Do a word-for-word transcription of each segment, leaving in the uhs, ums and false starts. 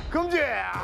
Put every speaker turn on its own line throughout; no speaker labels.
금지!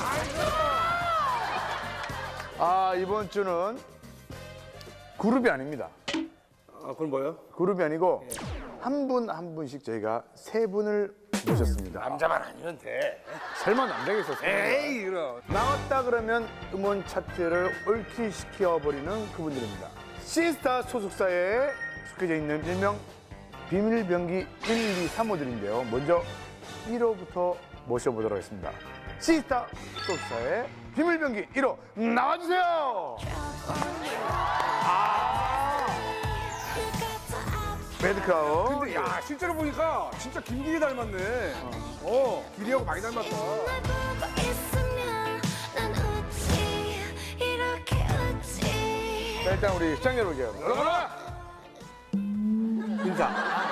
아, 이번 주는 그룹이 아닙니다.
아, 그건 뭐예요?
그룹이 아니고 한 분 한 분씩 저희가 세 분을 모셨습니다.
남자만 아니면 돼.
설마 남자겠었어요?
에이, 그럼.
나왔다 그러면 음원 차트를 올킬시켜버리는 그분들입니다. 시스타 소속사에 속해져 있는 일명 비밀병기 일, 이, 삼 호들인데요. 먼저 일 호부터 모셔보도록 하겠습니다. 시스타 소속사의 비밀병기 일 호 나와주세요! 아, 매드크라운.
근데 야, 실제로 보니까 진짜 김길이 닮았네. 어, 길이하고 많이 닮았다.
자, 일단 우리 시청자 여러분, 여러분 인사.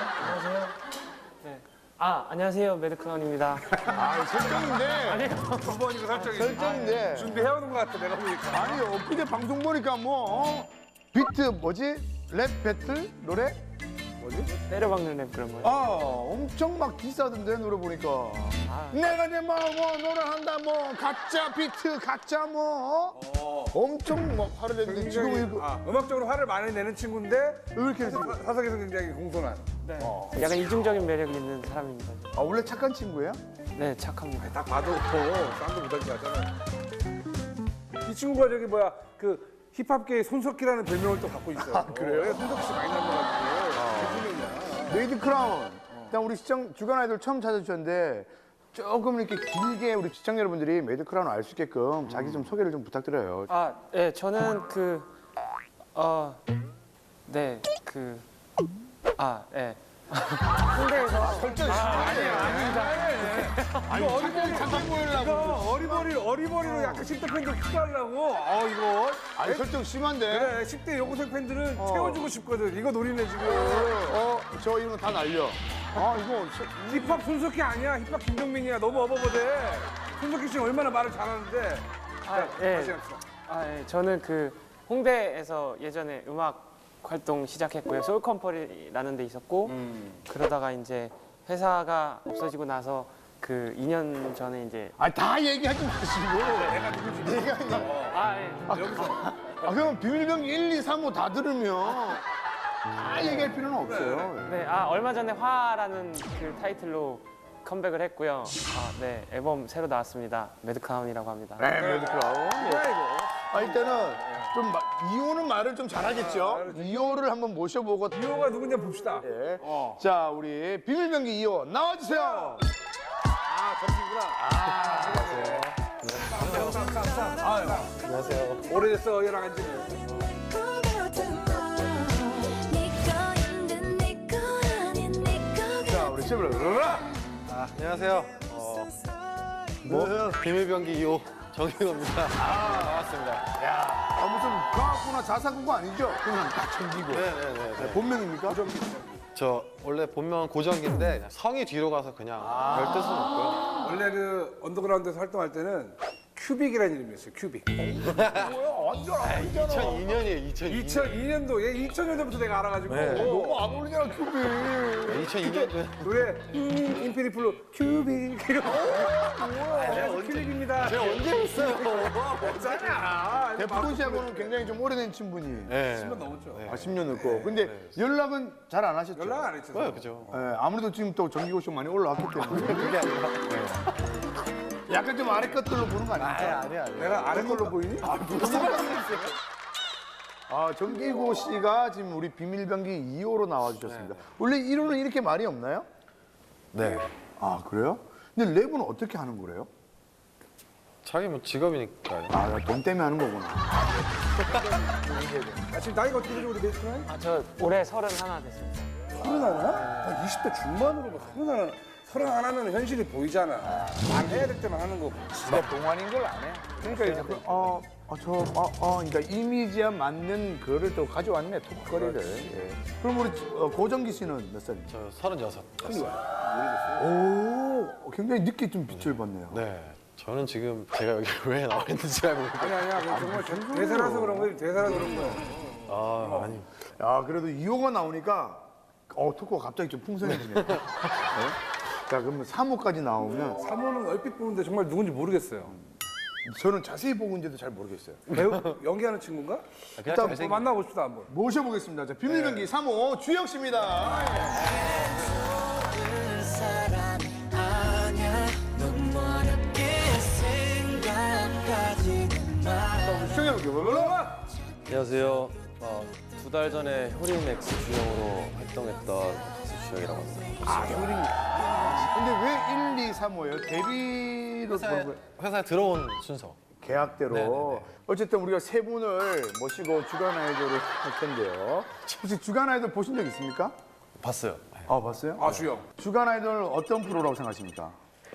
네. 아, 안녕하세요. 매드크라운입니다.
아, 설정인데.
두 번이고 설정이.
설정인데.
준비해오는 것 같아, 내가 보니까.
아니, 엊그제 방송 보니까 뭐, 어? 비트 뭐지? 랩 배틀? 노래?
뭐지?
때려박는 랩 그런 거예요.
아, 엄청 막 비싸던데, 노래 보니까.
아.
내가 내 뭐, 뭐, 노래한다, 뭐, 가짜 비트, 가짜 뭐, 어? 엄청 막 화를 냈는데, 지금
굉장히,
이거
아, 음악적으로 화를 많이 내는 친구인데
왜 이렇게 했어?
사- 사석에서 굉장히 공손한.
네. 약간 이중적인 매력이 있는 사람입니다.
아, 원래 착한 친구예요?
네, 착합니다.
딱 봐도 쌍도 못할 것 같잖아. 이 친구가 저기 뭐야 그 힙합계의 손석희라는 별명을 또 갖고 있어요. 아,
그래요?
손석희 씨 많이 닮아가지고 대통령이야.
메이드 크라운. 일단 우리 시청, 주간 아이돌 처음 찾아주셨는데, 조금 이렇게 길게 우리 시청자 여러분들이 메이드 크라운을 알 수 있게끔 자기 좀 소개를 좀 부탁드려요.
아, 네, 저는 그, 어, 네, 그, 아, 네. 홍대에서
설정 아니야, 아닙니다. 아니, 어리버리 잠깐 보이려고.
이거 어리버리 어리버리로 약간 십 대 팬들 투자하려고. 어 이거.
아니, 설정 심한데.
그래 십 대 여고생 팬들은
어.
채워주고 싶거든. 이거 노리네 지금.
어, 저 이거 다 날려. 아, 이거. 저-
힙합 손석희 아니야. 힙합 김정민이야. 너무 어버버대. 손석희 씨는 얼마나 말을 잘하는데.
아,
자,
예.
다시 합시다.
아, 예. 저는 그 홍대에서 예전에 음악 활동 시작했고요. 소울컴퍼니라는 데 있었고, 그러다가 이제 회사가 없어지고 나서 그 이 년 전에 이제
아, 다 얘기하지 마시고. 내가 누구지? 내가 이제.
아, 예.
여기서.
아, 그럼 비밀병기 일, 이, 삼, 호 다 들으면 다 얘기할 필요는 없어요.
네, 아 얼마 전에 화라는 그 타이틀로 컴백을 했고요. 아, 네, 앨범 새로 나왔습니다. 매드크라운이라고 합니다.
네, 매드 크라운.
뭐야 이거.
아, 일단은 좀 마, 이 호는 말을 좀 잘하겠죠? 이 호를 한번 모셔보고.
이호가 누군지 봅시다.
예.
어.
자, 우리 비밀병기 이 호 나와주세요.
아 점심이구나. 안녕하세요. 아유.
안녕하세요.
오래됐어 얘랑 한지.
자, 우리 셰프를 으라!
아, 안녕하세요. 어, 뭐 비밀병기 이 호 정희호입니다. 반갑습니다.
아, 무슨 과학구나 자사구가 아니죠? 그냥 다 챙기고.
네네네.
네, 본명입니까?
저 원래 본명은 고정기인데 그냥 성이 뒤로 가서 그냥 별 뜻은 없고요.
원래 그 언더그라운드에서 활동할 때는 큐빅이라는 이름이었어요. 큐빅.
완전 아니잖아.
이천이 년이에요. 이천이 년.
이천이 년도 얘 이천 년도부터 내가 알아가지고
너무 안 어울리잖아, 큐비.
이천이 년도에
노래 음, 인피니플로 큐빅 이러고 뭐야 큐빅입니다.
제가 언제 했어요?
없잖아.
대프콘 씨하고는 굉장히 좀 오래된 친분이.
네.
십 년 넘었죠.
아, 십 년 넘고. 근데 연락은 잘 안 하셨죠?
연락 안 했죠.
네, 그죠.
예, 아무래도 지금 또 정기고쇼 많이 올라왔기 때문에.
그게 아니라.
약간 좀 아래 것들로 보는 거 아닙니까?
아니 아니.
내가 아래 걸로 보이니?
아, 정기고 씨가 지금 우리 비밀병기 이 호로 나와주셨습니다. 원래 일 호는 이렇게 말이 없나요?
네.
아, 그래요? 근데 랩은 어떻게 하는 거래요?
자기 뭐 직업이니까요.
아, 돈 때문에 하는 거구나.
아, 지금 나이가 어떻게 되죠 우리 메이트는?
아, 저 올해 서른 하나 됐습니다.
서른 하나? 아, 이십 대 중반으로 뭐 서른 하나. 서른 하나면 현실이 보이잖아. 안 해야 될 때만 하는 거고.
진짜 동안인 걸 안 해. 그러니까 이제 그, 어, 어, 저, 어, 어, 그러니까 이미지에 맞는 거를 또 가져왔네, 톡거리를. 예. 그럼 우리 어, 고정기 씨는 몇 살이죠?
저 서른여섯.
오, 굉장히 늦게 좀 빛을 봤네요.
네. 저는 지금 제가 여기 왜 나와 있는지 잘 모르겠어요.
아니 아니야. 그건 정말 대- 대사라서 그런 거지. 대사라서 그런 거야.
아, 아니.
야, 그래도 이 호가 나오니까, 어, 토크가 갑자기 좀 풍성해지네요. 네? 자, 그러면 삼 호까지 나오면
사모는 얼핏 보는데 정말 누군지 모르겠어요.
저는 자세히 보고 있는데도 잘 모르겠어요.
배우 연기하는 친구인가?
일단
한번 만나봅시다 한번.
모셔보겠습니다. 자, 비밀병기 삼 호 주영 씨입니다. 시청해볼게요.
올라와.
안녕하세요. 어, 두 달 전에 효린엑스 주영으로 활동했던 가수 주영이라고 합니다.
아, 효린. 근데 왜 일, 이, 삼 호예요? 데뷔로
회사에,
보는 거예요?
회사에 들어온 순서.
계약대로.
네네네.
어쨌든 우리가 세 분을 모시고 주간 아이돌을 할 텐데요. 혹시 주간 아이돌 보신 적 있습니까?
봤어요.
아, 봤어요?
아 주영.
주간 아이돌 어떤 프로라고 생각하십니까?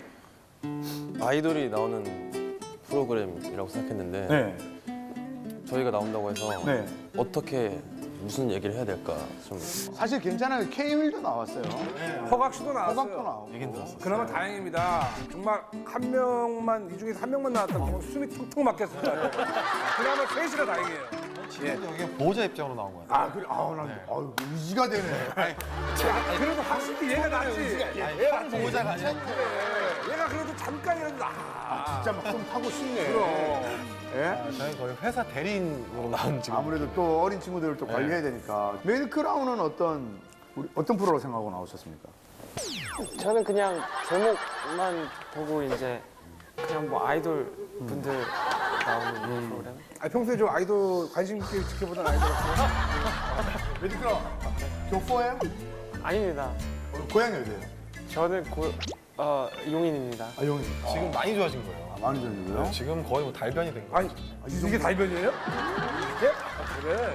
아이돌이 나오는 프로그램이라고 생각했는데
네.
저희가 나온다고 해서
네.
어떻게 무슨 얘기를 해야 될까 좀
사실 괜찮아요. 케이윌도 나왔어요.
허각 씨도 나왔어요.
호박도 나오고.
얘긴 들었어.
그나마 다행입니다. 정말 한 명만 이 중에서 한 명만 나왔다면 정말 숨이 턱턱 막혔을 거예요. 그나마 셋이라 다행이에요.
지금 여기 보호자 입장으로 나온 거예요.
아, 그래. 아우, 난 아유, 의지가 되네.
그래도 확실히 얘가 낫지.
얘가
보호자가 아니라.
얘가 그래도 잠깐이라도 나.
진짜 막 좀 타고 싶네.
그럼.
예?
저희 거의 회사 대리인으로 나온 지금.
아무래도 또 어린 친구들을 또 관리해야 되니까. 메인 크라운은 어떤 우리 어떤 프로로 생각하고 나오셨습니까?
저는 그냥 제목만 보고 이제 그냥 뭐 아이돌 분들 나오는 프로그램.
아, 평소에 좀 아이돌 관심 있게 지켜보던 아이돌 없어요?
메인 크라운 교포예요?
아닙니다.
고향이 어디예요?
저는 고, 어, 용인입니다.
아, 용인.
지금 많이 좋아진 거예요.
아, 많이 전이고요.
지금 거의 뭐 달변이 된 거예요.
아니, 이게 달변이에요? 이게? 아, 그래.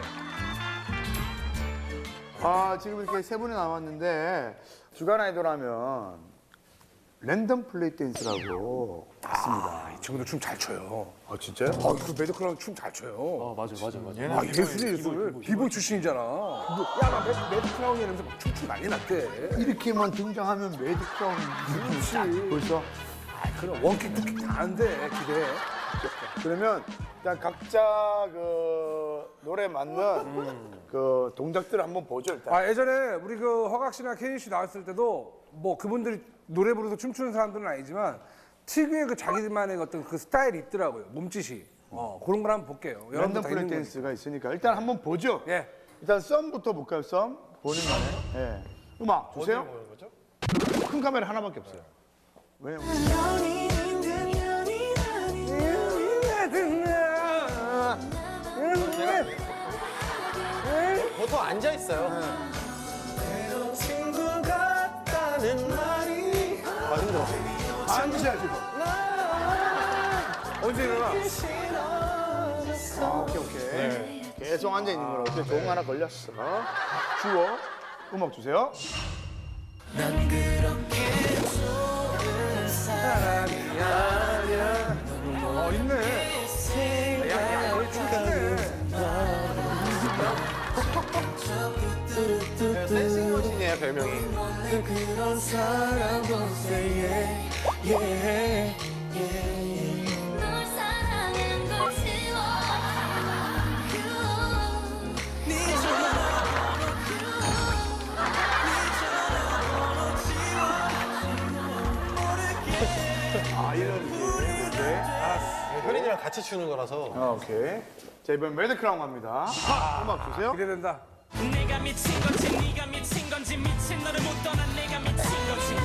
아, 지금 이렇게 세 분이 나왔는데 주간 아이돌 하면 랜덤 플레이 댄스라고 있습니다.
이 친구들 춤 잘 춰요.
아, 진짜요?
아, 그 매드클라운 춤 잘 춰요.
어 맞아 맞아 맞아
아, 예술이 예술. 비보이 출신이잖아. 야, 나 매드, 매드클라운 이러면서 막 춤추 난리 났대.
이렇게만 등장하면 매드 크라운
그렇지.
벌써.
아, 그럼 원킥, 투킥 다 하는데, 기대해.
그러면 일단 각자 그 노래 맞는 그 동작들을 한번 보죠 일단.
아, 예전에 우리 그 허각 씨나 케인 씨 나왔을 때도 뭐 그분들이 노래 부르면서 춤추는 사람들은 아니지만 특유의 그 자기들만의 어떤 그 스타일이 있더라고요. 몸짓이. 어, 그런 걸 한번 볼게요. 여러분들
랜덤
다
플레이
있는
댄스가 있으니까 일단 한번 보죠.
거니까. 예.
일단 썸부터 볼까요? 썸 보는 거네. 예. 음악 주세요.
어디에 보는 거죠?
큰 카메라 하나밖에 없어요. 왜요?
보통 앉아 있어요. 아 힘들어.
앉으셔야 지금.
언제 일어나?
아, 오케이 오케이. 계속 앉아 있는 거라 어떻게 좋은 거 하나 걸렸어. 주워. 음악 주세요.
어, 있네. 야, 야, 너희 춤추네.
댄싱머신이에요 별명이.
널 사랑한 걸 지워
아 이런 게
효린이랑 같이 추는 거라서.
아, 오케이. 자 이번 매드 크라운 갑니다. 하! 음악 주세요.
기대된다.
내가 미친 건지 네가 미친 건지 미친 너를 못 떠난 내가 미친 건지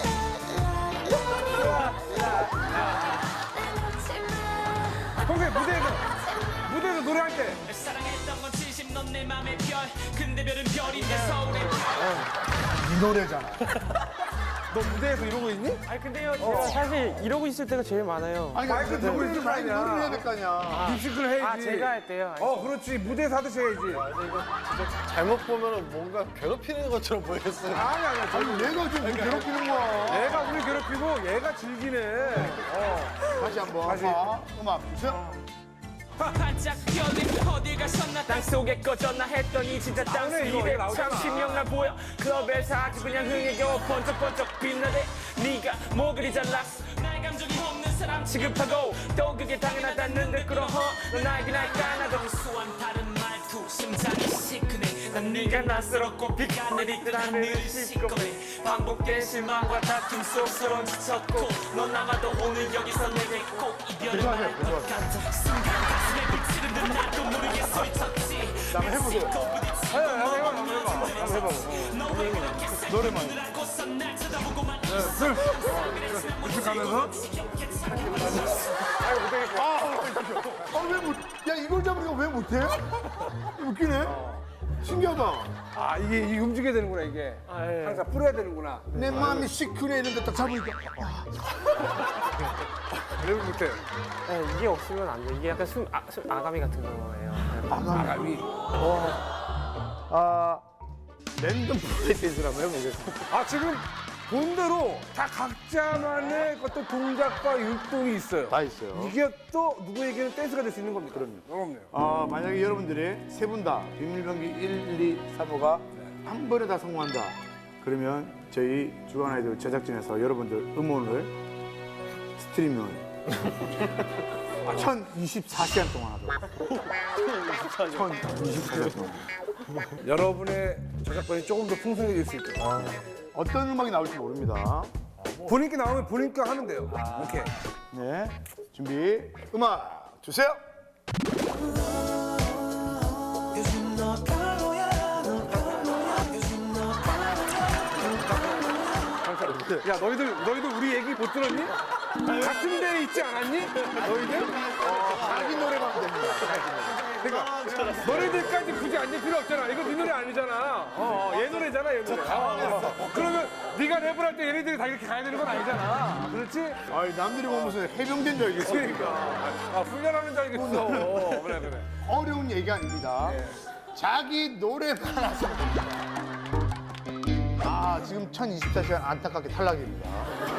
평소에 무대에서, 무대에서 노래할 때.
날 사랑했던 건 진심 넌 내 맘의 별 근데 별은 별인데 서울의 별
이 노래잖아.
너 무대에서 이러고 있니?
아니 근데요, 제가 사실 이러고 있을 때가 제일 많아요.
아니
마이크
그러니까
들고 있는 거
마이크
아니야.
노래를 해야 될 거 아니야.
립싱크를 해야지.
아, 제가 할 때요?
어, 그렇지. 무대에서 하듯이 해야지.
잘못 보면은 뭔가 괴롭히는 것처럼 보였어요.
아니, 아니,
아니
저는
얘가 좀 괴롭히는 거야.
얘가 우리 괴롭히고 얘가 즐기네. 어.
다시 한번.
다시.
하. 음악 주세요.
반짝 별이 어딜 가셨나 땅속에 꺼졌나 했더니 진짜 땅속
나오네, 이거. 이거 나오잖아.
이백삼십 명 날 보여 클럽에서 아주 그냥 흥에 겨워 번쩍번쩍 빛나대 네가 뭐 그리 잘났어 나의 감정이 없는 사람 취급하고 또 그게 당연하다는 듯 끌어허 넌 나에게 날 까나도 수한 다른 말투 심장이 시큰해 네가 낯설었고 비가 내리듯 하늘을 씻고 반복된 실망과 다툼 속 서론 지쳤고 넌 아마도 오늘 여기서 내게 꼭 이별을 말할 것 같아 순간 가슴에 비치는 듯 나도 모르게 소리쳤지
한번 해보세요.
한번 해봐.
노래만.
이렇게 가면서
아, 왜 못, 야, 이걸 잡으니까 왜 못해? 웃기네. 신기하다.
아 이게 이 움직여야 되는구나 이게. 항상 뿌려야 되는구나.
내 마음이 시크해 있는데 딱 잡으니까.
그래도 못해.
네, 이게 없으면 안 돼. 이게 약간 숨, 아, 숨 아가미 같은 거예요.
아가미.
아, 랜덤 브레이크댄스를 한번 해보겠습니다.
아 지금 본대로 다 각자만의 어떤 동작과 율동이 있어요.
다 있어요.
이게 또 누구에게는 댄스가 될 수 있는 겁니다.
그럼요.
그럼요.
아, 만약에 여러분들이 세 분 다 비밀병기 일, 이, 삼 호가 한 번에 다 성공한다. 그러면 저희 주간 아이돌 제작진에서 여러분들 음원을 스트리밍을 천이십사 시간 동안 하도록. 천이십사 시간 동안.
여러분의 저작권이 조금 더 풍성해질 수 있도록.
어떤 음악이 나올지 모릅니다.
본인께 나오면 본인께 하면 돼요. 오케이.
네, 준비, 음악 주세요.
야 너희들 너희들 우리 얘기 못 들었니? 같은 데에 있지 않았니? 너희들?
자기 노래만 됩니다.
그러니까 너희들까지 굳이 앉을 필요 없잖아. 이거 네 노래 아니잖아. 어, 어, 얘 노래잖아, 얘 노래. 어, 어. 그러면 네가 랩을 할 때 얘네들이 다 이렇게 가야 되는 건 아니잖아. 그렇지?
아니, 남들이 보면 무슨 해병대인 줄 알겠어.
그러니까. 아, 훈련하는 줄 알겠어. 그래, 그래.
어려운 얘기 아닙니다. 자기 노래만 하시면 됩니다. 아, 지금 천이십사 시간 안타깝게 탈락입니다.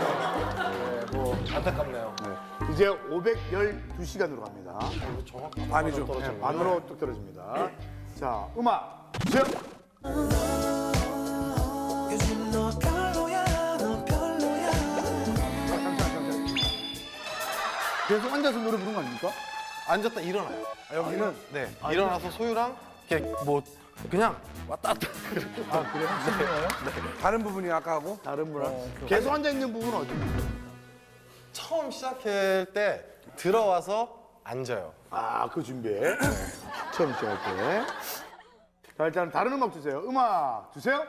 안타깝네요.
네. 이제 오백십이 시간으로 갑니다.
반이죠.
네, 반으로 뚝 떨어집니다. 자, 음악 주세요. 계속 앉아서 노래 부르는 거 아닙니까?
앉았다 일어나요.
아, 여기는
네. 일어나서 소유랑 이렇게 뭐 그냥 왔다 갔다.
아, 그래요?
다른 부분이 아까 하고
다른 분랑 계속 앉아 있는 부분은 어디입니까?
처음 시작할 때 들어와서 앉아요.
아, 그 준비해. 네. 처음 시작할 때. 자, 일단 다른 음악 주세요. 음악 주세요.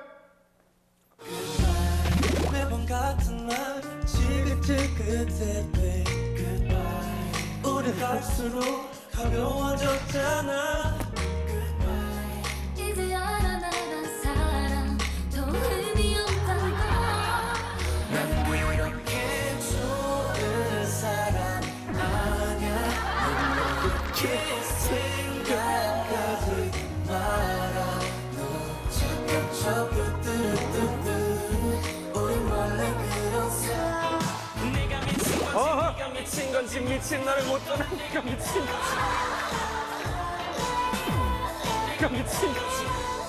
매번 같은 말 지긋지긋해 babe goodbye 우리 갈수록 가벼워졌잖아
이제 알아 나란 사랑 더 의미 없다는 걸
난 그렇게 좋은 사람 아냐 넌 그렇게 생각하지 마라 너 잠깐 접을 뚜루뚜루 우린 원래 그런 사람
내가 미친 건지 네가 미친 건지 미친 너를 못 떠나 네가 미친 건지 네가 미친 건지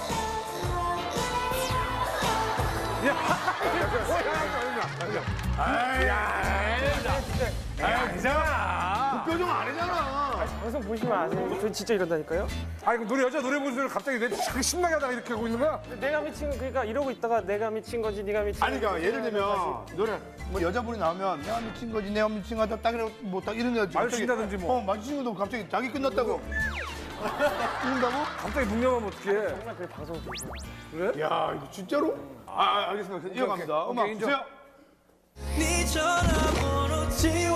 그 표정 아니잖아.
방송 보시면 아세요. 저 진짜 이런다니까요.
아 이거 노래 여자 노래 부르는 소리 갑자기 내 자꾸 신나게 하다가 이렇게 하고 있는 거야?
내가 미친 그러니까 이러고 있다가 내가 미친 건지 네가 미친
아니, 그러니까 예를 들면 노래 뭐 여자분이 나오면 내가 미친 거지, 내가 미친 거다 딱 이러 뭐딱 이런 게
마주친다든지 뭐.
어, 마주친 것도 갑자기 자기 끝났다고 이런다고?
갑자기 묵념하면 어떡해?
정말 그 방송 보시면
그래?
야, 이거 진짜로? 아, 알겠습니다. 이어갑니다.
오케이,
음악
인정.
주세요.
네 전화번호 지워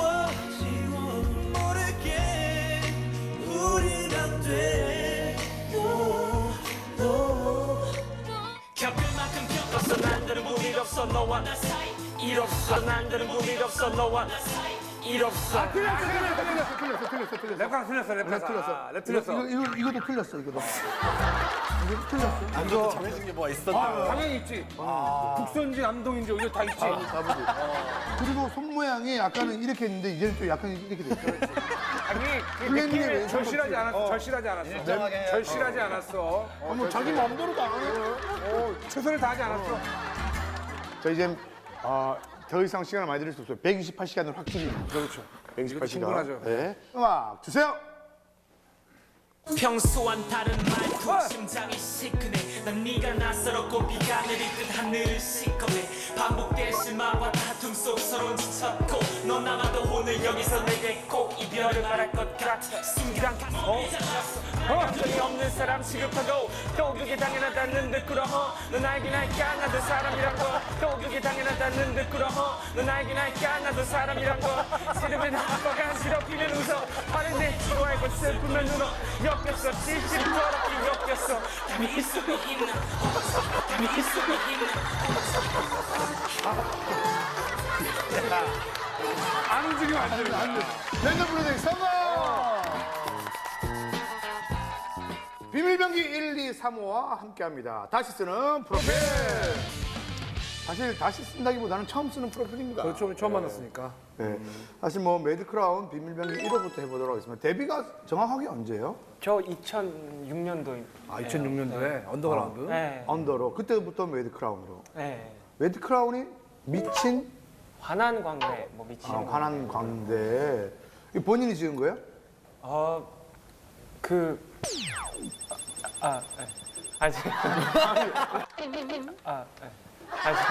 모르게 우린 안돼
겪을 만큼 겪었어 난들은 무리 없어 너와 나 사이 일 없어 난들은 무리 없어 너와 나 사이 일 없어
틀렸어, 틀렸어, 틀렸어, 틀렸어, 틀렸어, 틀렸어.
랩 가사 틀렸어, 랩 가사.
틀렸어.
아, 랩 틀렸어.
이거, 이거, 이것도 틀렸어, 이거도. 이거 틀렸어.
앉아서 정해진 게 뭐가 있었나?
당연히 있지. 북선지, 남동인지 이거 다 있지.
아버지. 그리고 손 모양이 아까는 이렇게 했는데 이제는 좀 약간 이렇게 됐어.
아니, 그
그랬네,
느낌이
왜
절실하지 않았어.
어.
절실하지 않았어.
일정하게 해야죠.
절실하지 않았어. 어,
아, 뭐 자기 마음대로 다 하네.
어, 최선을 다하지 않았어.
자, 이제 아, 더 이상 시간을 많이 드릴 수 없어요. 백이십팔 시간을 확 줄입니다.
그렇죠.
백이십팔 시간.
충분하죠.
네. 음악 주세요.
평소와는 다른 말투 심장이 시큰해 난 네가 낯설었고 비가 내리듯 하늘을 시커매 반복된 실망과 다툼 속 서로는 지쳤고 넌 남아도 오늘 여기서 내게 꼭 이별을 말할 것 같아 순간 가슴이 잘랐어 감정이 없는 사람 취급하고 또 그게 당연하다는 듯 꿇어허 넌 알긴 할까 나도 사람이란 거또 그게 당연하다는 듯 꿇어허 넌 알긴 할까 나도 사람이란 거 싫으면 나빠가 싫어피면 웃어 화를 내지도 알고 슬프면 울어 엮였어 찔찔 더럽게 엮였어 담이 있음이 있나 담이 있음이 있나
안 움직이면 안 돼. 안 돼.
랜덤 브로딩 성공! 비밀병기 일, 이, 삼 호와 함께합니다. 다시 쓰는 프로필! 사실 다시 쓴다기보다는 처음 쓰는 프로필입니다.
그렇죠. 우리 처음 만났으니까.
네. 사실 뭐 매드크라운 비밀병기 일 호부터 해보도록 하겠습니다. 데뷔가 정확하게 언제예요?
저 이천육 년도입니다.
아, 이천육 년도에 언더그라운드.
네.
언더로. 그때부터 매드크라운으로.
네.
매드크라운이 미친
환한 광대 뭐 미치는
아,
거.
환한 광대. 이 본인이 지은 거예요?
어, 그, 아, 네. 아직. 아, 네. 아직.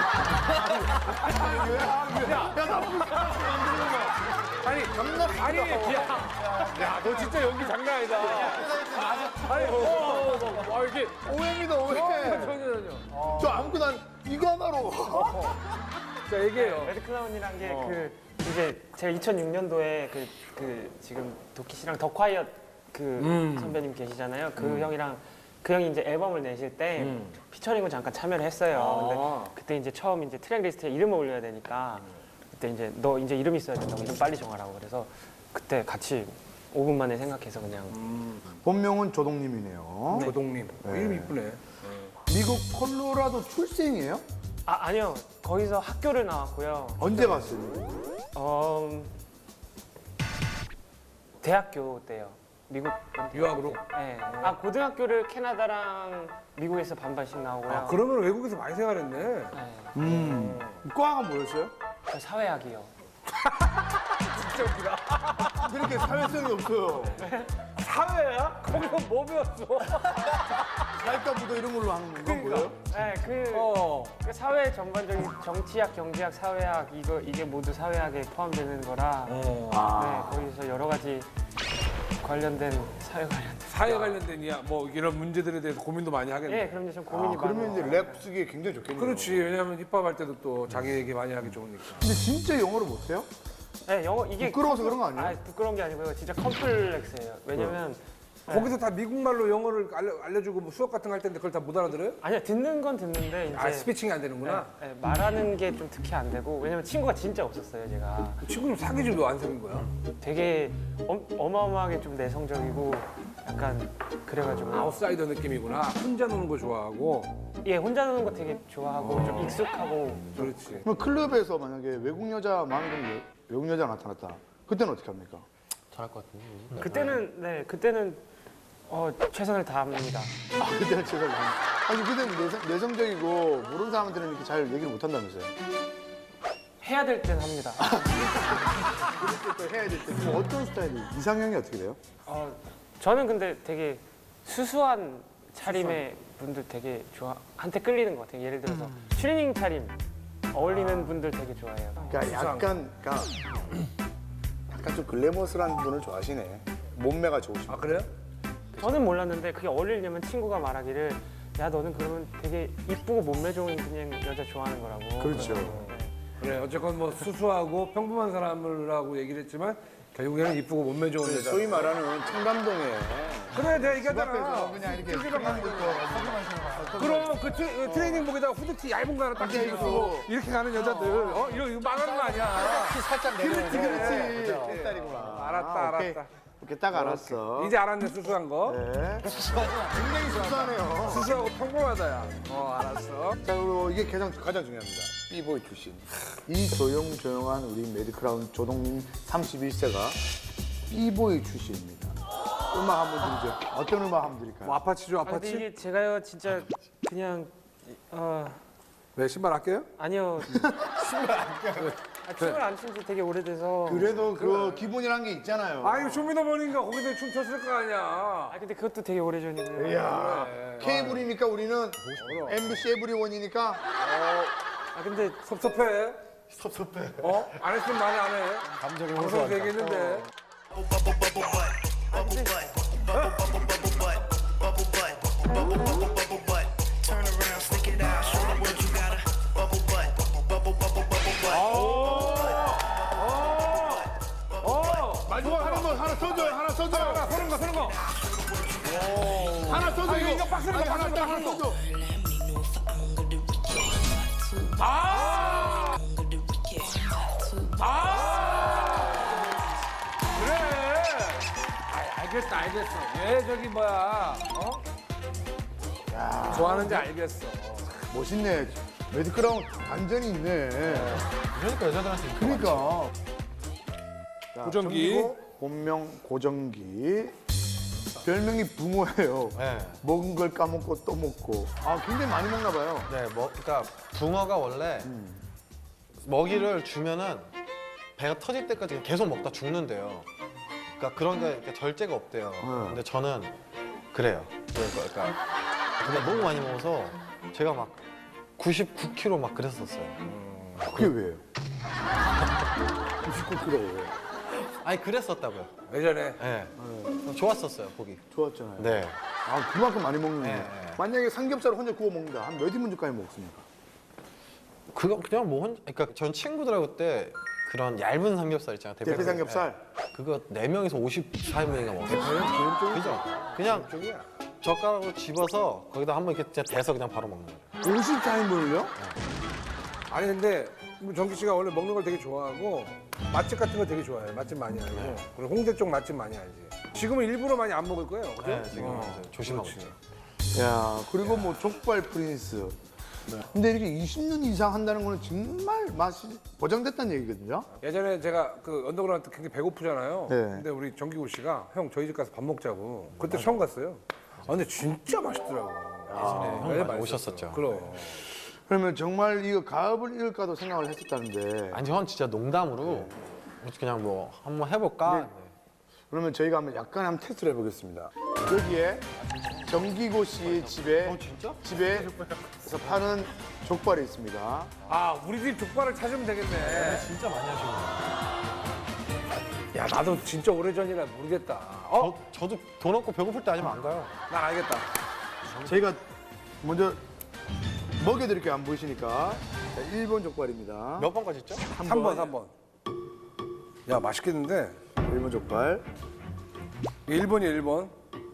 아니, 아니, 야, 야, 너 진짜 연기 장난 아니다. 아니, 어, 어, 어, 아, 이렇게.
오해입니다, 오해.
전혀, 전혀.
저 아무것도 난 이거 하나로.
자, 얘기해요.
매드클라운이란 게 그 이제 제가 이천육 년도에 그, 그 지금 도끼 씨랑 더 콰이엇 그 선배님 계시잖아요. 그 형이랑 그 형이 이제 앨범을 내실 때 피처링을 잠깐 참여를 했어요. 근데 그때 이제 처음 이제 트랙 리스트에 이름을 올려야 되니까 그때 이제 너 이제 이름 있어야 된다고 이름 빨리 정하라고 그래서 그때 같이 오 분 만에 생각해서 그냥
본명은 조동님이네요.
조동님.
네.
이름 이쁘네.
미국 콜로라도 출생이에요?
아 아니요 거기서 학교를 나왔고요.
언제 갔어요?
어 대학교 때요. 미국
유학으로?
네. 아 고등학교를 캐나다랑 미국에서 반반씩 나오고요.
아, 그러면 외국에서 많이 생활했네.
네.
음. 과가 뭐였어요?
저 사회학이요.
진짜 웃기다.
그렇게 사회성이 없어요.
사회야? 거기서 뭐 배웠어?
사회과부도 이런 걸로 하는 건가 뭐예요?
네, 그,
어.
그 사회 전반적인 정치학, 경제학, 사회학 이거 이게 모두 사회학에 포함되는 거라
어.
네, 거기서 여러 가지 관련된 사회 관련된.
사회 관련된 이야 뭐 이런 문제들에 대해서 고민도 많이 하겠네.
예, 그럼요. 좀 고민이
아, 그러면
많아요.
이제 랩 쓰기에 굉장히 좋겠네요.
그렇지. 왜냐하면 힙합 할 때도 또 자기 얘기 많이 하기 좋으니까.
근데 진짜 영어를 못해요?
네, 영어 이게
부끄러워서 그런 거 아니에요?
아, 부끄러운 게 아니고요. 진짜 컴플렉스예요. 왜냐면
거기서 다 미국말로 영어를 알려, 알려주고 뭐 수업 같은 거 할 텐데 그걸 다 못 알아들어요?
아니야 듣는 건 듣는데 이제
아, 스피칭이 안 되는구나.
네, 네, 말하는 게 좀 특히 안 되고 왜냐면 친구가 진짜 없었어요. 제가
친구는 사귀지도 안 사귄 거야.
되게 엄, 어마어마하게 좀 내성적이고 약간 그래가지고
아웃사이더 느낌이구나. 혼자 노는 거 좋아하고.
예 혼자 노는 거 되게 좋아하고 좀 익숙하고
그렇지.
그럼 클럽에서 만약에 외국 여자 마음에 드는 외- 외국 여자가 나타났다. 그때는 어떻게 합니까?
잘할 것 같은데.
그때는 네 그때는 어, 최선을 다합니다.
아, 그때는 제가 나- 아니 그때는 내성, 내성적이고 모르는 사람한테는 이렇게 잘 얘기를 못 한다면서요?
해야 될 땐 합니다.
그럴 때 또 해야 될 때. 그럼 어떤 스타일이? 이상형이 어떻게 돼요?
어, 저는 근데 되게 수수한 차림의 분들 되게 좋아 한테 끌리는 것 같아요. 예를 들어서 추리닝 차림 어울리는 분들 되게 좋아해요.
그러니까 약간, 그러니까 약간 좀 글래머스한 분을 좋아하시네. 몸매가 좋으시고.
아, 그래요?
저는 몰랐는데 그게 어울리려면 친구가 말하기를 야 너는 그러면 되게 이쁘고 몸매 좋은 그냥 여자 좋아하는 거라고.
그렇죠.
네.
그래. 어쨌건 뭐 수수하고 평범한 사람이라고 얘기를 했지만 결국에는 이쁘고 몸매 좋은 여자.
소위 말하는 청담동에
그래, 내가
집
얘기하잖아.
앞에서 그냥 이렇게 크림 듣고
그럼 그 트, 트레이닝복에다가 후드티 얇은 거 하나 딱 입고 이렇게 가는 여자들 어 이거 이거 말하는 거 아니야.
키 살짝 내려오는
그렇지, 그렇지.
그죠?
예.
딸이구나.
알았다,
오케이.
알았다.
오케이, 딱 알았어.
이제 알았네 수수한 거.
네. 굉장히 수수하네요.
수수하고 평범하다야. 어 알았어.
자, 그리고 이게 가장, 가장 중요합니다. B보이 출신. 이 조용조용한 우리 매드크라운 조동님 삼십일 세가 B보이 출신입니다. 음악 한번 드리죠. 어떤 음악 한번 드릴까요?
뭐 아파치죠
아, 근데
아파치?
이게 제가요 진짜 그냥 어
네 신발 할게요?
아니요 아, 춤을 안 춘 지 되게 오래돼서.
그래도 그 기본이란 게 있잖아요.
아 이거 쇼미더머니인가 거기서 춤췄을 거 아니야.
아 근데 그것도 되게 오래전이고요.
이야, 케이블이니까 우리는 엠비씨 에브리원이니까
아 근데
섭섭해.
섭섭해.
어? 안 했으면 많이 안 해.
감정이
방송 되겠는데.
Turn around, stick it out, show the world you got a bubble butt, bubble bubble bubble butt.
마지막 하나 더 하나 써줘요. 하나 써줘요.
하나 서는 거 서는 거.
하나 써줘.
아, 이거 이거 빡세는 거
아니, 하나
빡세는
더
거
하나 써줘.
아! 아! 그래. 아, 알겠어 알겠어. 왜 저기 뭐야? 어? 좋아하는지 알겠어.
멋있네. 매드크라운 완전히 있네.
그러니까 여자들한테 인기가
그러니까. 자,
고정기.
정기고, 본명 고정기. 별명이 붕어예요.
네.
먹은 걸 까먹고 또 먹고. 아, 굉장히 많이 먹나 봐요.
네, 뭐, 그러니까 붕어가 원래 먹이를 주면은 배가 터질 때까지 계속 먹다 죽는데요. 그러니까 그런 게 이렇게 절제가 없대요. 근데 저는 그래요. 그러니까, 그러니까 근데 너무 많이 먹어서 제가 막 구십구 킬로그램 막 그랬었어요.
그게 왜요? 구십구 킬로그램.
아니 그랬었다고요.
예전에.
네. 좋았었어요 보기.
좋았잖아요.
네.
아, 그만큼 많이 먹네.
네, 네.
만약에 삼겹살을 혼자 구워 먹는다. 한 몇 인분까지 먹습니까?
그거 그냥 뭐 혼, 그러니까 전 친구들하고 그때 그런 얇은 삼겹살 있잖아요.
대패 삼겹살.
네. 그거 네 명에서 오십사 인분인가 먹었어요. 그죠? 그냥 젓가락으로 집어서 거기다 한번 이렇게 그냥 대서 그냥 바로 먹는 거예요.
오십사 인분을요?
아니 근데 뭐 정기 씨가 원래 먹는 걸 되게 좋아하고 맛집 같은 거 되게 좋아해요. 맛집 많이 알고.
네.
그리고 홍대 쪽 맛집 많이 알지. 지금은 일부러 많이 안 먹을 거예요. 그죠?
네, 지금
어.
이제 조심하고
그렇지.
있죠.
야, 그리고 뭐 족발 프린스. 근데 이렇게 이십 년 이상 한다는 거는 정말 맛이 보장됐다는 얘기거든요.
예전에 제가 그 언더그라운드 굉장히 배고프잖아요.
네.
근데 우리 정기구 씨가 형 저희 집 가서 밥 먹자고. 그때 처음 갔어요. 아 근데 진짜 맛있더라고.
형 많이 오셨었죠.
그럼.
그러면 정말 이거 가업을 잃을까도 생각을 했었다는데.
아니 전 진짜 농담으로 그냥 뭐 한번 해볼까.
네. 그러면 저희가 한번 약간 한번 테스트를 해보겠습니다. 여기에 정기고 씨의 집에 집에서 파는 족발이 있습니다.
아 우리 집 족발을 찾으면 되겠네.
진짜 많이 하시는 거예요.
야 나도 진짜 오래전이라 모르겠다. 어?
저, 저도 돈 없고 배고플 때 아니면 안 가요.
난 알겠다.
저희가 먼저 먹여드릴게요. 안 보이시니까. 자, 일 번 족발입니다.
몇 번까지 있죠?
삼 번, 삼 번. 야 맛있겠는데?
일 번 족발.
일 번이 일 번.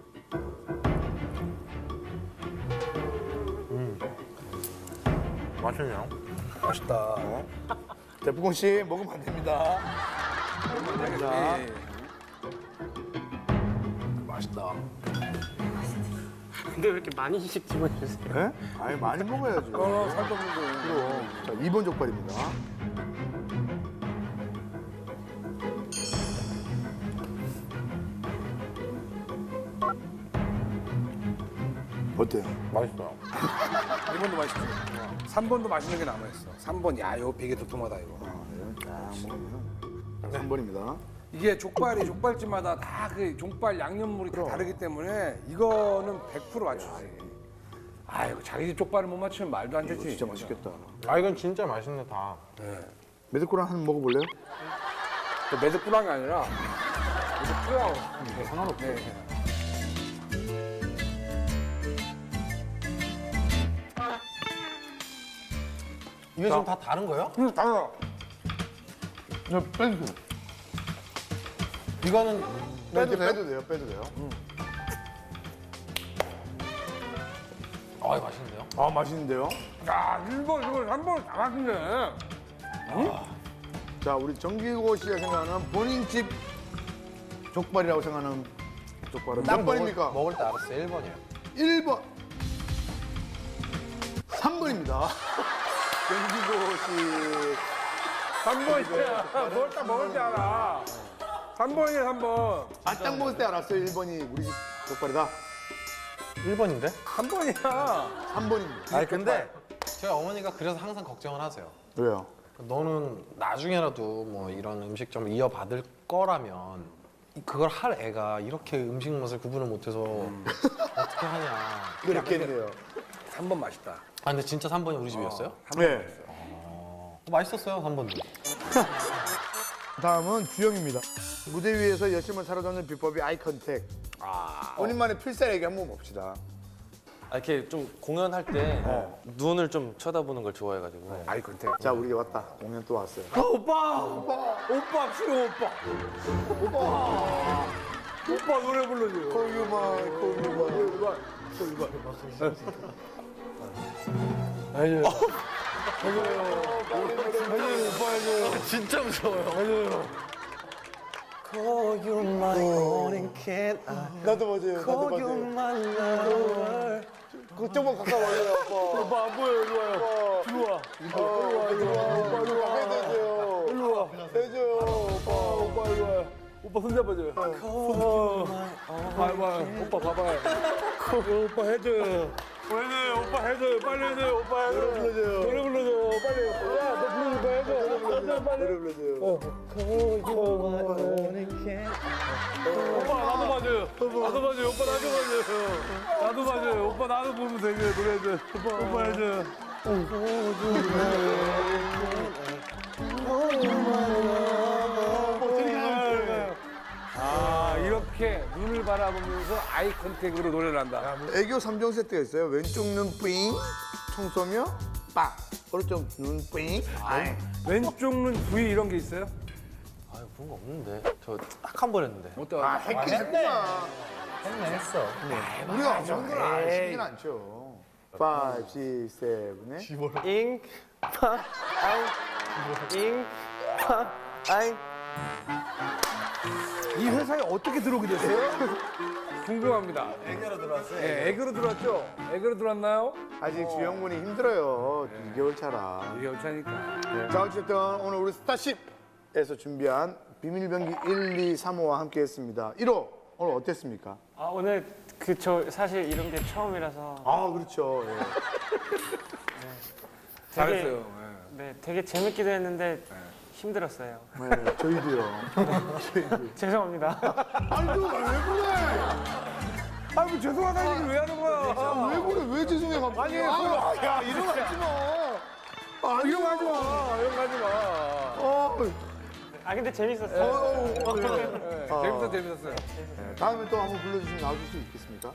맛있네요.
맛있다.
대포공 씨 먹으면 안 됩니다. 자,
예.
맛있다.
근데 왜 이렇게 많이씩 집어주세요?
예? 아니 많이 먹어야죠.
어, 살도 없는데.
그럼. 자, 이 번 족발입니다. 어때요?
맛있어요.
일 번도 맛있어. 삼 번도 맛있는 게 남아있어. 삼 번, 야, 이거 되게 도톰하다, 이거.
아, 그래요? 딱 먹으면. 자, 삼 번입니다.
이게 족발이 족발집마다 다 그 족발 양념물이 다 다르기 때문에 이거는 백 퍼센트 맞추지. 아, 이거 자기 집 족발을 못 맞추면 말도 안 되지.
진짜 맛있겠다.
아 이건 진짜 맛있네 다.
메드코랑 한번 먹어볼래요?
그 매듭꾸랑이 아니라 매듭꾸랑.
네, 상관없어요.
이게 지금 다 다른 거예요?
응, 달라.
네, 빼주세요.
이거는
빼도, 빼도 돼요? 빼도 돼요?
아 맛있는데요?
아, 맛있는데요?
야, 일 번, 이거 삼 번 다 맛있네.
자, 우리 정기고 씨가 생각하는 본인 집 족발이라고 생각하는 족발은 몇 번입니까?
먹을 때 알았어요. 일 번이에요.
일 번. 삼 번입니다. 정기고 씨.
삼 번이야. 먹을 때 먹을 때 알아. 삼 번이야, 삼 번.
아, 딱 먹을 때 알았어요. 일 번이 우리 집 족발이다.
일 번인데?
삼 번이야.
삼 번입니다.
아니 근데 저희 어머니가 그래서 항상 걱정을 하세요.
왜요?
너는 나중에라도 뭐 이런 음식점을 이어받을 거라면 그걸 할 애가 이렇게 음식 맛을 구분을 못해서 어떻게 하냐.
그렇겠네요.
삼 번 맛있다.
아 근데 진짜 삼 번이 우리 집이었어요?
네.
맛있었어요, 삼 번도.
다음은 주영입니다. 무대 위에서 여심을 사로잡는 비법이 아이 컨택. 아, 본인만의 필살 얘기 한번 봅시다.
아, 이렇게 좀 공연할 때 눈을 좀 쳐다보는 걸 좋아해가지고.
아이 컨택.
자, 우리 왔다. 공연 또 왔어요.
오빠! 오빠! 오빠, 수영 오빠! 오빠! 오빠 노래 불러줘요.
고유만, 고유만.
아니요. 아니요, 오빠 해줘요.
진짜 무서워요.
나도 맞아요. 나도 맞아요. 그쪽만 가까워요, 오빠.
오빠 안 보여, 일로 와요. 일로 와.
일로 와, 일로 와. 오빠, 일로 와. 해줘요.
일로 와.
해줘요, 오빠.
오빠 일로 와요. 오빠 손 잡아줘요. 어. 봐봐, 오빠 봐봐요. 오빠 해줘요. 해줘요, 오빠 해줘요. 빨리 해줘요, 오빠 해줘요.
노래 불러줘요.
노래 불러줘요, 빨리. 야, 너 부르는 거 해줘. 해줘, 빨리.
노래 불러줘요.
오빠 나도 맞아요. 나도 맞아요. 오빠 나도 맞아요. 나도 맞아요. 오빠 나도 보면 되게 노래 해줘요. 오빠, 오빠 해줘요. 아, 이렇게 눈을 바라보면서 아이 컨택으로 노래를 한다.
애교 삼 종 세트가 있어요. 왼쪽 눈 뿌잉, 총 쏘며 빵. 오른쪽 눈 뿌잉. 아이.
왼쪽 눈 부위 이런 게 있어요?
아, 그런 거 없는데. 저 딱 한 번 했는데.
어때?
아, 했긴 했구나.
했네, 했어.
우리가 안 좋은 걸 아시긴 않죠. 오, 육, 칠, 팔.
잉, 파, 아잉, 잉, 파, 아잉.
이 회사에 어떻게 들어오게 됐어요? 궁금합니다. 애교로 들어왔어요? 네, 애교로 들어왔죠? 애교로 들어왔나요?
아직 주영군이 힘들어요. 이 개월 차라.
이게 어차니까.
자, 어쨌든 오늘 우리 스타쉽에서 준비한 비밀병기 일, 이, 삼 호와 함께 했습니다. 일 호, 오늘 어땠습니까?
아, 오늘 그 저 사실 이런 게 처음이라서
아, 그렇죠. 예.
잘했어요.
네, 되게 재밌기도 했는데 힘들었어요.
네, 저희도요. 저희도.
죄송합니다.
아이고, 왜 그래?
아, 뭐 죄송하다는 얘기 왜 하는 거야?
아, 왜 그래? 왜 죄송해, 갑자기? 아니, 아, 야, 이런 거 하지 마. 아,
이런 거 하지 마. 이런 거 하지 마.
어,
아, 근데 재밌었어요.
어, 어, 그래.
네, 재밌어, 재밌었어요.
네, 다음에 또 한번 불러주시면 나와줄 수 있겠습니까?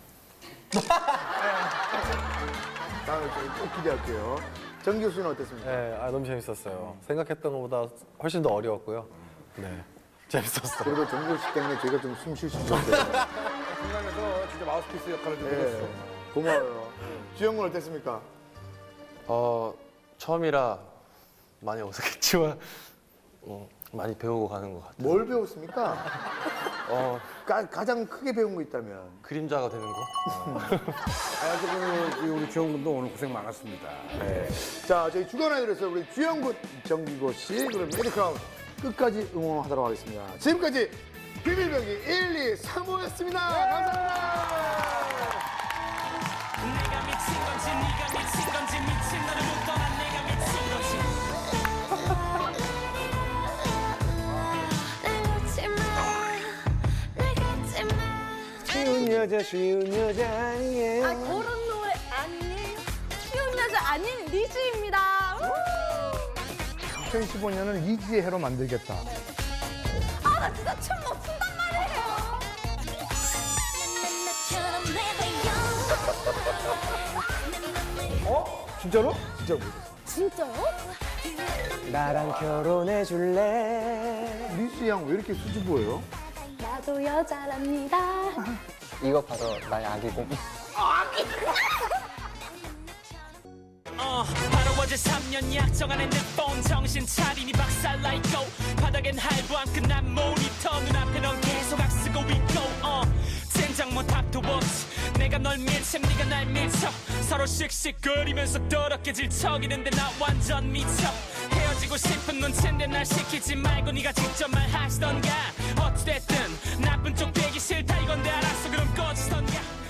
다음에 꼭 기대할게요. 정 교수는 어땠습니까?
네, 아, 너무 재밌었어요. 생각했던 것보다 훨씬 더 어려웠고요. 네, 재밌었어요.
그리고 정 교수 때문에 저희가 좀 숨 쉴 수 있었어요.
중간에서 진짜 마우스피스 역할을 좀 해줬어.
네, 고마워요. 주영군 어땠습니까?
어, 처음이라 많이 어색했지만 어, 많이 배우고 가는 것 같아요.
뭘 배웠습니까?
어,
가, 가장 크게 배운 거 있다면?
그림자가 되는 거?
아, 지금 우리 주영군도 오늘 고생 많았습니다.
네. 자, 저희 주간 아이돌에서 우리 주영군, 정기고 씨, 그리고 메리크라운 끝까지 응원하도록 하겠습니다. 지금까지 비밀병기 일, 이, 삼 호였습니다. 감사합니다.
내가 미친 건지 네가 미친 건지 미친 너를 못 떠난 내가 미친 건지
날 놓지 마, 날 갖지 마.
쉬운 여자, 쉬운 여자 아니에요.
아, 그런 노래 아니에요. 쉬운 여자 아닌 리즈입니다.
이천십오 년은 이지의 해로 만들겠다.
아, 나 진짜 춤 못 춘단 말이에요.
나처럼 내가
어? 진짜로? 진짜 모르겠어.
진짜요?
나랑 결혼해 줄래?
리즈 양 왜 이렇게 수줍어요?
나도 여자랍니다.
이거 바로 나의 아기곰.
어, 바로 어제 삼 년 약정한 핸드폰 정신 차리니 박살나 있고 바닥엔 할부한 끝난 모니터 눈앞에 넌 계속 악쓰고 있고 어, 젠장 못 합도없지 내가 널 밀쳐 네가 날 밀쳐 서로 씩씩거리면서 더럽게 질척이는데 나 완전 미쳐 헤어지고 싶은 눈치인데 날 시키지 말고 네가 직접 말하시던가 어찌됐든 나쁜 쪽 되기 싫다 이건데 알았어 그럼 꺼지던가